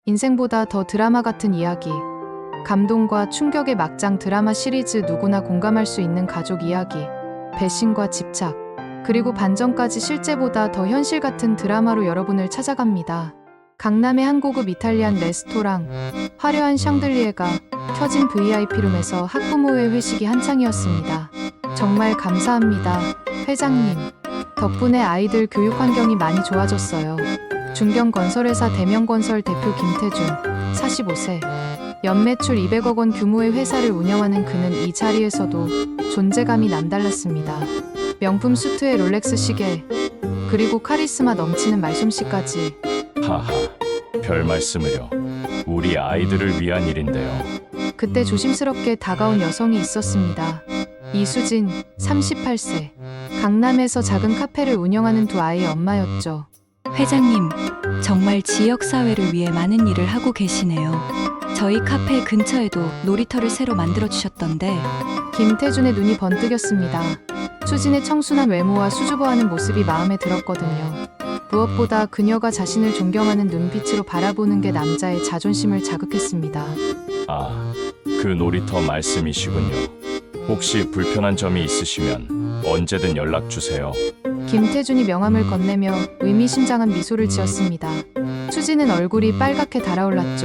인생보다 더 드라마 같은 이야기. 감동과 충격의 막장 드라마 시리즈 누구나 공감할 수 있는 가족 이야기. 배신과 집착. 그리고 반전까지 실제보다 더 현실 같은 드라마로 여러분을 찾아갑니다. 강남의 한 고급 이탈리안 레스토랑. 화려한 샹들리에가 켜진 VIP룸에서 학부모의 회식이 한창이었습니다. 정말 감사합니다, 회장님. 덕분에 아이들 교육 환경이 많이 좋아졌어요. 중견건설회사 대명건설 대표 김태준, 45세. 연매출 200억 원 규모의 회사를 운영하는 그는 이 자리에서도 존재감이 남달랐습니다. 명품 수트에 롤렉스 시계, 그리고 카리스마 넘치는 말솜씨까지. 하하, 별 말씀을요. 우리 아이들을 위한 일인데요. 그때 조심스럽게 다가온 여성이 있었습니다. 이수진, 38세. 강남에서 작은 카페를 운영하는 두 아이의 엄마였죠. 회장님, 정말 지역사회를 위해 많은 일을 하고 계시네요. 저희 카페 근처에도 놀이터를 새로 만들어주셨던데. 김태준의 눈이 번뜩였습니다. 수진의 청순한 외모와 수줍어하는 모습이 마음에 들었거든요. 무엇보다 그녀가 자신을 존경하는 눈빛으로 바라보는 게 남자의 자존심을 자극했습니다. 아, 그 놀이터 말씀이시군요. 혹시 불편한 점이 있으시면 언제든 연락 주세요. 김태준이 명함을 건네며 의미심장한 미소를 지었습니다. 수지는 얼굴이 빨갛게 달아올랐죠.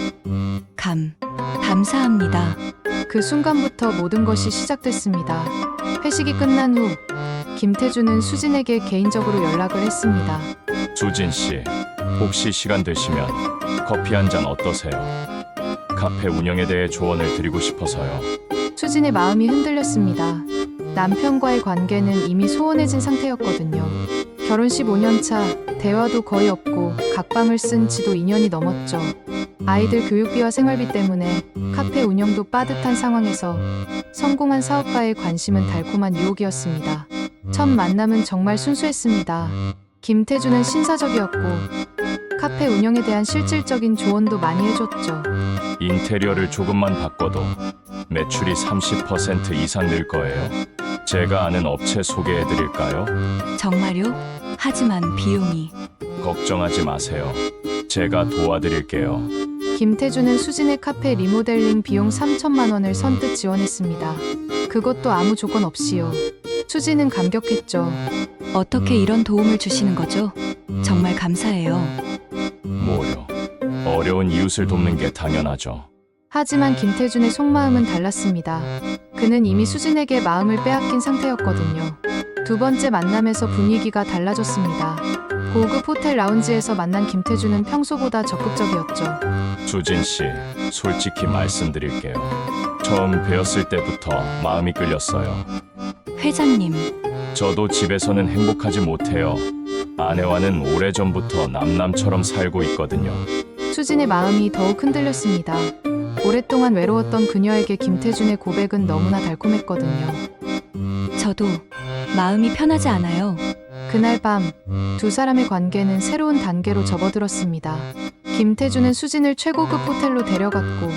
감사합니다. 그 순간부터 모든 것이 시작됐습니다. 회식이 끝난 후 김태준은 수진에게 개인적으로 연락을 했습니다. 수진 씨, 혹시 시간 되시면 커피 한 잔 어떠세요? 카페 운영에 대해 조언을 드리고 싶어서요. 수진의 마음이 흔들렸습니다. 남편과의 관계는 이미 소원해진 상태였거든요. 결혼 15년 차, 대화도 거의 없고 각방을 쓴 지도 2년이 넘었죠. 아이들 교육비와 생활비 때문에 카페 운영도 빠듯한 상황에서 성공한 사업가의 관심은 달콤한 유혹이었습니다. 첫 만남은 정말 순수했습니다. 김태준은 신사적이었고 카페 운영에 대한 실질적인 조언도 많이 해줬죠. 인테리어를 조금만 바꿔도 매출이 30% 이상 늘 거예요. 제가 아는 업체 소개해 드릴까요? 정말요? 하지만 비용이. 걱정하지 마세요. 제가 도와드릴게요. 김태준은 수진의 카페 리모델링 비용 3천만 원을 선뜻 지원했습니다. 그것도 아무 조건 없이요. 수진은 감격했죠. 어떻게 이런 도움을 주시는 거죠? 정말 감사해요. 뭐요? 어려운 이웃을 돕는 게 당연하죠. 하지만 김태준의 속마음은 달랐습니다. 그는 이미 수진에게 마음을 빼앗긴 상태였거든요. 두 번째 만남에서 분위기가 달라졌습니다. 고급 호텔 라운지에서 만난 김태준은 평소보다 적극적이었죠. 수진 씨, 솔직히 말씀드릴게요. 처음 뵈었을 때부터 마음이 끌렸어요. 회장님, 저도 집에서는 행복하지 못해요. 아내와는 오래전부터 남남처럼 살고 있거든요. 수진의 마음이 더욱 흔들렸습니다. 오랫동안 외로웠던 그녀에게 김태준의 고백은 너무나 달콤했거든요. 저도 마음이 편하지 않아요. 그날 밤, 두 사람의 관계는 새로운 단계로 접어들었습니다. 김태준은 수진을 최고급 호텔로 데려갔고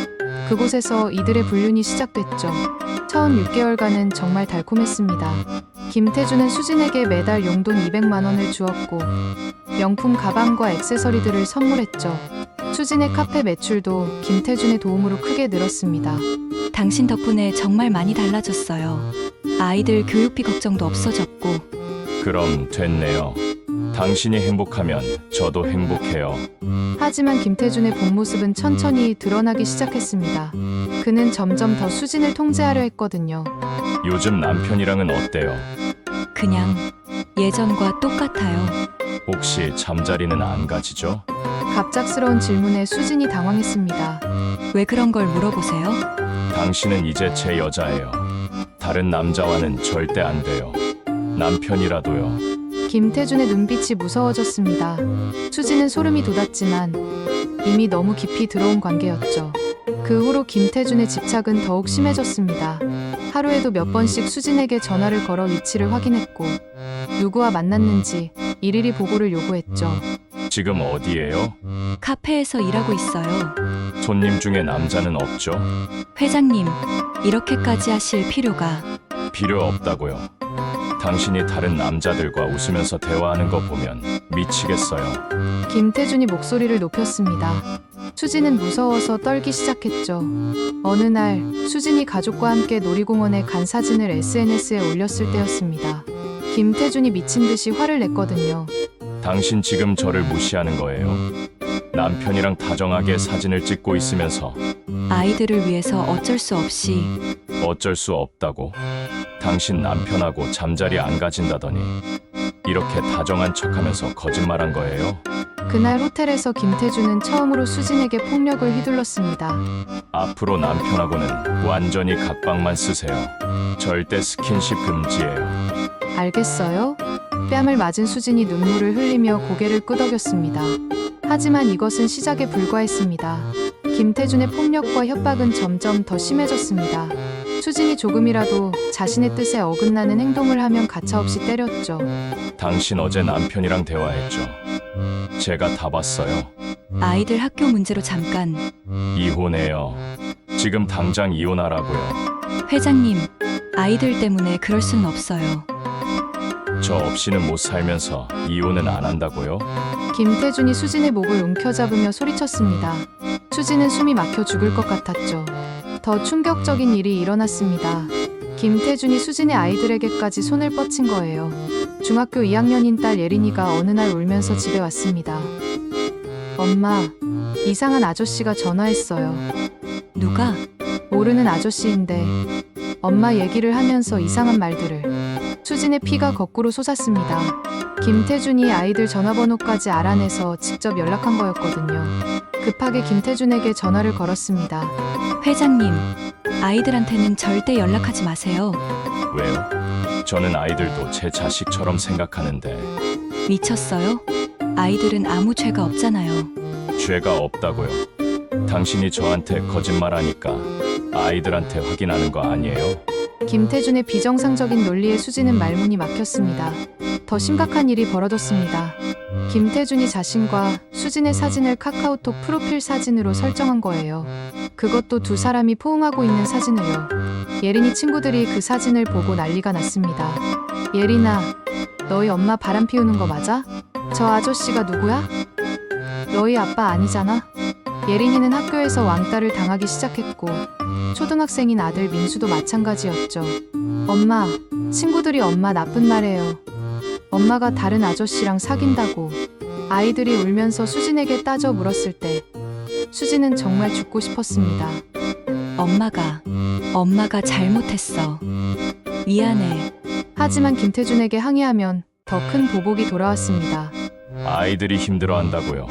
그곳에서 이들의 불륜이 시작됐죠. 처음 6개월간은 정말 달콤했습니다. 김태준은 수진에게 매달 용돈 200만 원을 주었고 명품 가방과 액세서리들을 선물했죠. 수진의 카페 매출도 김태준의 도움으로 크게 늘었습니다. 당신 덕분에 정말 많이 달라졌어요. 아이들 교육비 걱정도 없어졌고. 그럼 됐네요. 당신이 행복하면 저도 행복해요. 하지만 김태준의 본 모습은 천천히 드러나기 시작했습니다. 그는 점점 더 수진을 통제하려 했거든요. 요즘 남편이랑은 어때요? 그냥 예전과 똑같아요. 혹시 잠자리는 안 가지죠? 갑작스러운 질문에 수진이 당황했습니다. 왜 그런 걸 물어보세요? 당신은 이제 제 여자예요. 다른 남자와는 절대 안 돼요. 남편이라도요. 김태준의 눈빛이 무서워졌습니다. 수진은 소름이 돋았지만 이미 너무 깊이 들어온 관계였죠. 그 후로 김태준의 집착은 더욱 심해졌습니다. 하루에도 몇 번씩 수진에게 전화를 걸어 위치를 확인했고 누구와 만났는지 일일이 보고를 요구했죠. 지금 어디예요? 카페에서 일하고 있어요. 손님 중에 남자는 없죠? 회장님, 이렇게까지 하실 필요가. 필요 없다고요. 당신이 다른 남자들과 웃으면서 대화하는 거 보면 미치겠어요. 김태준이 목소리를 높였습니다. 수진은 무서워서 떨기 시작했죠. 어느 날 수진이 가족과 함께 놀이공원에 간 사진을 SNS에 올렸을 때였습니다. 김태준이 미친 듯이 화를 냈거든요. 당신 지금 저를 무시하는 거예요? 남편이랑 다정하게 사진을 찍고 있으면서 아이들을 위해서 어쩔 수 없이 어쩔 수 없다고? 당신 남편하고 잠자리 안 가진다더니 이렇게 다정한 척하면서 거짓말한 거예요? 그날 호텔에서 김태준은 처음으로 수진에게 폭력을 휘둘렀습니다. 앞으로 남편하고는 완전히 각방만 쓰세요. 절대 스킨십 금지예요. 알겠어요? 뺨을 맞은 수진이 눈물을 흘리며 고개를 끄덕였습니다. 하지만 이것은 시작에 불과했습니다. 김태준의 폭력과 협박은 점점 더 심해졌습니다. 수진이 조금이라도 자신의 뜻에 어긋나는 행동을 하면 가차없이 때렸죠. 당신 어제 남편이랑 대화했죠? 제가 다 봤어요. 아이들 학교 문제로 잠깐. 이혼해요. 지금 당장 이혼하라고요. 회장님, 아이들 때문에 그럴 수는 없어요. 저 없이는 못 살면서 이혼은 안 한다고요? 김태준이 수진의 목을 움켜잡으며 소리쳤습니다. 수진은 숨이 막혀 죽을 것 같았죠. 더 충격적인 일이 일어났습니다. 김태준이 수진의 아이들에게까지 손을 뻗친 거예요. 중학교 2학년인 딸 예린이가 어느 날 울면서 집에 왔습니다. 엄마, 이상한 아저씨가 전화했어요. 누가? 모르는 아저씨인데 엄마 얘기를 하면서 이상한 말들을. 수진의 피가 거꾸로 솟았습니다. 김태준이 아이들 전화번호까지 알아내서 직접 연락한 거였거든요. 급하게 김태준에게 전화를 걸었습니다. 회장님, 아이들한테는 절대 연락하지 마세요. 왜요? 저는 아이들도 제 자식처럼 생각하는데 미쳤어요? 아이들은 아무 죄가 없잖아요. 죄가 없다고요. 당신이 저한테 거짓말하니까 아이들한테 확인하는 거 아니에요? 김태준의 비정상적인 논리에 수진은 말문이 막혔습니다. 더 심각한 일이 벌어졌습니다. 김태준이 자신과 수진의 사진을 카카오톡 프로필 사진으로 설정한 거예요. 그것도 두 사람이 포옹하고 있는 사진을요. 예린이 친구들이 그 사진을 보고 난리가 났습니다. 예린아, 너희 엄마 바람 피우는 거 맞아? 저 아저씨가 누구야? 너희 아빠 아니잖아? 예린이는 학교에서 왕따를 당하기 시작했고 초등학생인 아들 민수도 마찬가지였죠. 엄마, 친구들이 엄마 나쁜 말해요. 엄마가 다른 아저씨랑 사귄다고. 아이들이 울면서 수진에게 따져 물었을 때 수진은 정말 죽고 싶었습니다. 엄마가 잘못했어. 미안해. 하지만 김태준에게 항의하면 더 큰 보복이 돌아왔습니다. 아이들이 힘들어한다고요.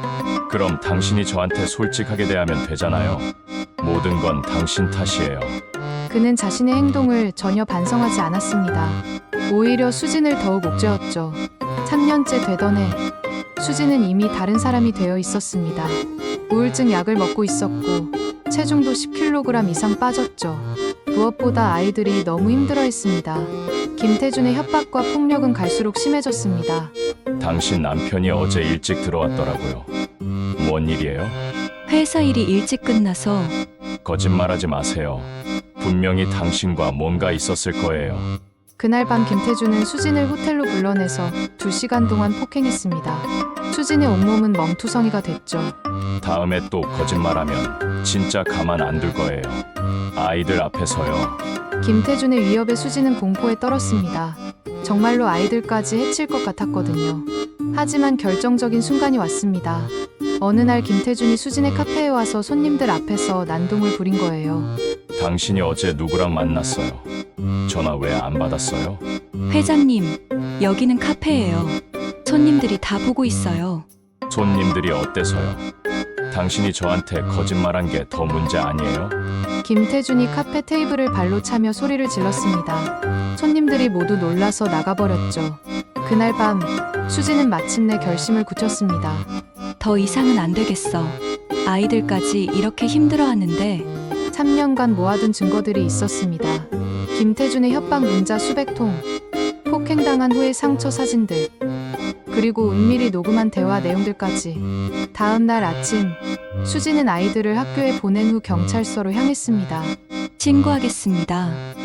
그럼 당신이 저한테 솔직하게 대하면 되잖아요. 모든 건 당신 탓이에요. 그는 자신의 행동을 전혀 반성하지 않았습니다. 오히려 수진을 더욱 옥죄었죠. 3년째 되던 해, 수진은 이미 다른 사람이 되어 있었습니다. 우울증 약을 먹고 있었고 체중도 10kg 이상 빠졌죠. 무엇보다 아이들이 너무 힘들어했습니다. 김태준의 협박과 폭력은 갈수록 심해졌습니다. 당신 남편이 어제 일찍 들어왔더라고요. 뭔 일이에요? 회사 일이 일찍 끝나서 거짓말하지 마세요. 분명히 당신과 뭔가 있었을 거예요. 그날 밤 김태준은 수진을 호텔로 불러내서 2시간 동안 폭행했습니다. 수진의 온몸은 멍투성이가 됐죠. 다음에 또 거짓말하면 진짜 가만 안 둘 거예요. 아이들 앞에서요. 김태준의 위협에 수진은 공포에 떨었습니다. 정말로 아이들까지 해칠 것 같았거든요. 하지만 결정적인 순간이 왔습니다. 어느 날 김태준이 수진의 카페에 와서 손님들 앞에서 난동을 부린 거예요. 당신이 어제 누구랑 만났어요? 전화 왜 안 받았어요? 회장님, 여기는 카페예요. 손님들이 다 보고 있어요. 손님들이 어때서요? 당신이 저한테 거짓말한 게 더 문제 아니에요? 김태준이 카페 테이블을 발로 차며 소리를 질렀습니다. 손님들이 모두 놀라서 나가버렸죠. 그날 밤 수진은 마침내 결심을 굳혔습니다. 더 이상은 안 되겠어. 아이들까지 이렇게 힘들어하는데 3년간 모아둔 증거들이 있었습니다. 김태준의 협박 문자 수백 통, 폭행당한 후의 상처 사진들, 그리고 은밀히 녹음한 대화 내용들까지. 다음 날 아침, 수진은 아이들을 학교에 보낸 후 경찰서로 향했습니다. 신고하겠습니다. 3년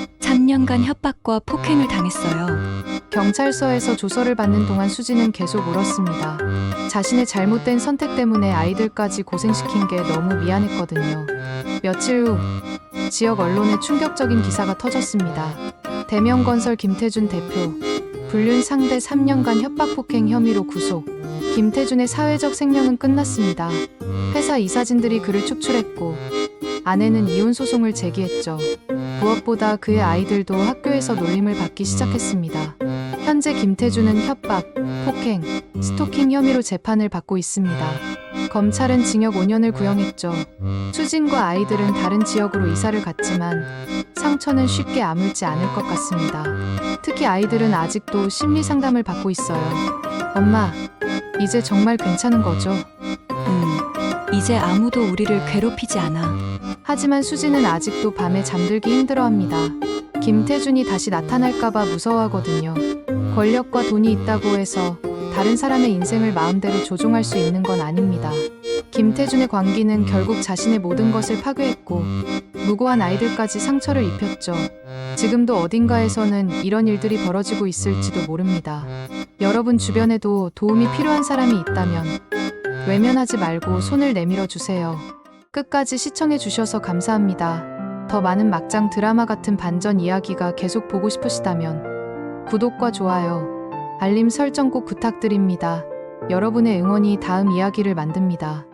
3년간 협박과 폭행을 당했어요. 경찰서에서 조서를 받는 동안 수지는 계속 울었습니다. 자신의 잘못된 선택 때문에 아이들까지 고생시킨 게 너무 미안했거든요. 며칠 후 지역 언론에 충격적인 기사가 터졌습니다. 대명건설 김태준 대표 불륜 상대 3년간 협박 폭행 혐의로 구속. 김태준의 사회적 생명은 끝났습니다. 회사 이사진들이 그를 축출했고 아내는 이혼 소송을 제기했죠. 무엇보다 그의 아이들도 학교에서 놀림을 받기 시작했습니다. 현재 김태준은 협박, 폭행, 스토킹 혐의로 재판을 받고 있습니다. 검찰은 징역 5년을 구형했죠. 수진과 아이들은 다른 지역으로 이사를 갔지만 상처는 쉽게 아물지 않을 것 같습니다. 특히 아이들은 아직도 심리 상담을 받고 있어요. 엄마, 이제 정말 괜찮은 거죠? 이제 아무도 우리를 괴롭히지 않아. 하지만 수지는 아직도 밤에 잠들기 힘들어합니다. 김태준이 다시 나타날까봐 무서워하거든요. 권력과 돈이 있다고 해서 다른 사람의 인생을 마음대로 조종할 수 있는 건 아닙니다. 김태준의 광기는 결국 자신의 모든 것을 파괴했고 무고한 아이들까지 상처를 입혔죠. 지금도 어딘가에서는 이런 일들이 벌어지고 있을지도 모릅니다. 여러분 주변에도 도움이 필요한 사람이 있다면 외면하지 말고 손을 내밀어 주세요. 끝까지 시청해 주셔서 감사합니다. 더 많은 막장 드라마 같은 반전 이야기가 계속 보고 싶으시다면 구독과 좋아요, 알림 설정 꼭 부탁드립니다. 여러분의 응원이 다음 이야기를 만듭니다.